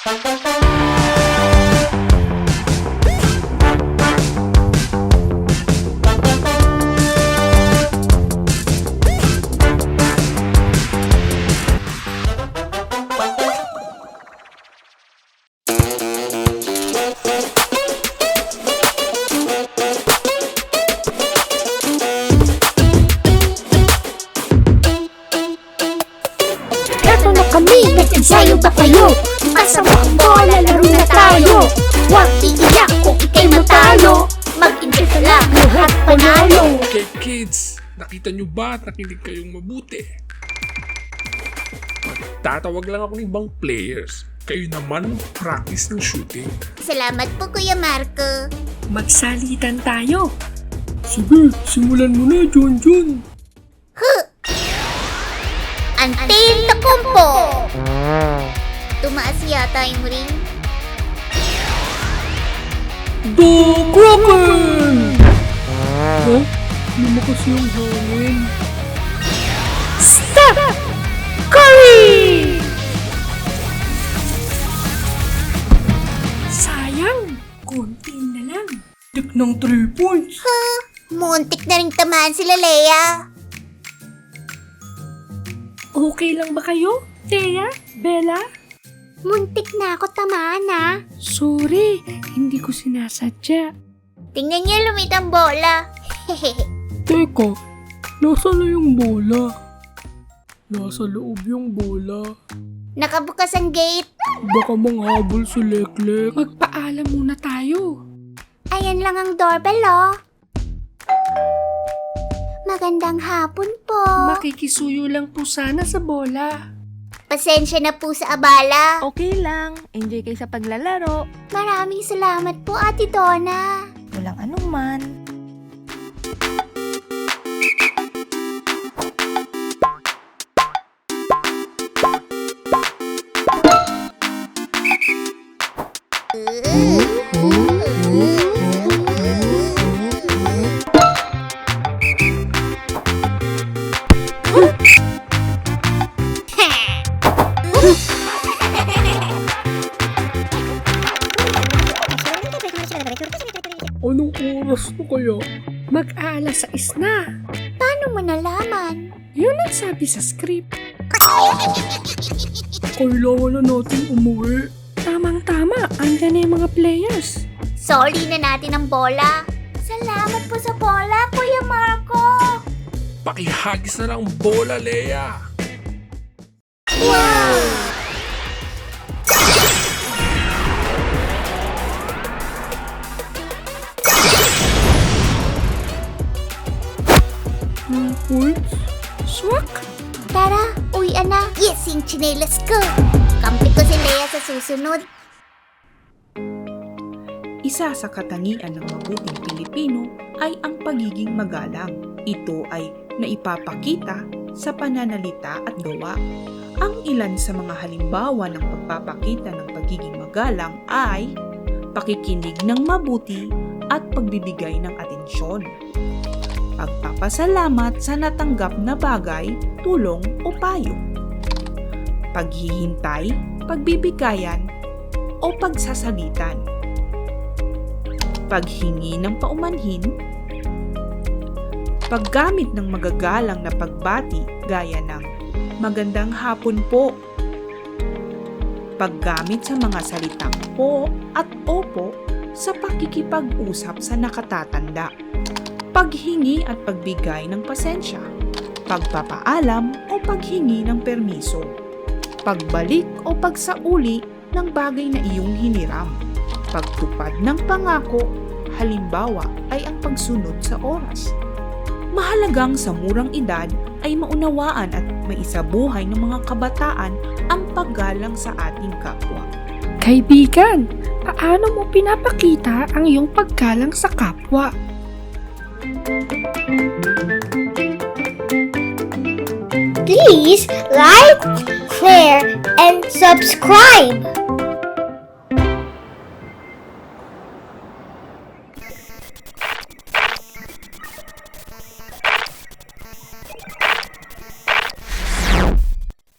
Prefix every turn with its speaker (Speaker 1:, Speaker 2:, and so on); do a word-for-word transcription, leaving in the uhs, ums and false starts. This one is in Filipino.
Speaker 1: Kami, nag-ensayo pa kayo. Masama ang bola, laro na tayo. Huwag iiyak kung ikay matalo. Mag-enjoy ka lang, lahat panalo.
Speaker 2: Okay kids, nakita nyo ba at nakinig kayong mabuti? Tatawag lang ako ng ibang players. Kayo naman practice ng shooting.
Speaker 1: Salamat po, Kuya Marco.
Speaker 3: Magsalitan tayo.
Speaker 2: Sige, simulan mo na, John John.
Speaker 1: Huh! Antil Takumpo! Tumaas yata yung ring.
Speaker 2: The Kraken! Ha? Lumakas yung hangin.
Speaker 3: Stop! Curry! Sayang, konti na lang.
Speaker 2: Tik ng three points.
Speaker 1: Huh? Muntik na rin tamaan sila Leia.
Speaker 3: Okay lang ba kayo, Thea? Bella?
Speaker 1: Muntik na ako tamaan ah.
Speaker 3: Sorry, hindi ko sinasadya.
Speaker 1: Tingnan niyo lumit ang bola.
Speaker 2: Teka, nasa na yung bola? Nasa loob yung bola.
Speaker 1: Nakabukas ang gate.
Speaker 2: Baka manghabol si Leklek.
Speaker 3: Magpaalam muna tayo.
Speaker 1: Ayan lang ang doorbell oh. Magandang hapon po.
Speaker 3: Makikisuyo lang po sana sa bola.
Speaker 1: Pasensya na po sa abala.
Speaker 4: Okay lang. Enjoy kayo sa paglalaro.
Speaker 1: Maraming salamat po, Ate Donna.
Speaker 4: Walang anuman.
Speaker 2: Anong oras na kaya?
Speaker 3: Mag-aalas sais na.
Speaker 1: Paano mo nalaman?
Speaker 3: Yun ang sabi sa script.
Speaker 2: Kailangan na natin umuwi.
Speaker 3: Tamang-tama, andyan na yung mga players.
Speaker 1: Sorry na natin ang bola. Salamat po sa bola, Kuya Marco.
Speaker 2: Pakihagis na lang ang bola, Leia.
Speaker 1: Wow!
Speaker 2: Three points?
Speaker 3: Swak!
Speaker 1: Tara, uwian na. Yes, yung chinelas ko. Kampi ko si Leia sa susunod.
Speaker 5: Isa sa katangian ng mabuting Pilipino ay ang pagiging magalang. Ito ay naipapakita sa pananalita at gawa. Ang ilan sa mga halimbawa ng pagpapakita ng pagiging magalang ay pakikinig ng mabuti at pagbibigay ng atensyon. Pagpapasalamat sa natanggap na bagay, tulong o payo. Paghihintay, pagbibigayan o pagsasalitan. Paghingi ng paumanhin. Paggamit ng magagalang na pagbati gaya ng magandang hapon po. Paggamit sa mga salitang po at opo sa pakikipag-usap sa nakatatanda. Paghingi at pagbigay ng pasensya, pagpapaalam o paghingi ng permiso, pagbalik o pagsauli ng bagay na iyong hiniram, pagtupad ng pangako, halimbawa ay ang pagsunod sa oras. Mahalagang sa murang edad ay maunawaan at maisabuhay ng mga kabataan ang paggalang sa ating kapwa.
Speaker 3: Kaibigan, paano mo pinapakita ang iyong paggalang sa kapwa?
Speaker 1: Please like, share, and subscribe.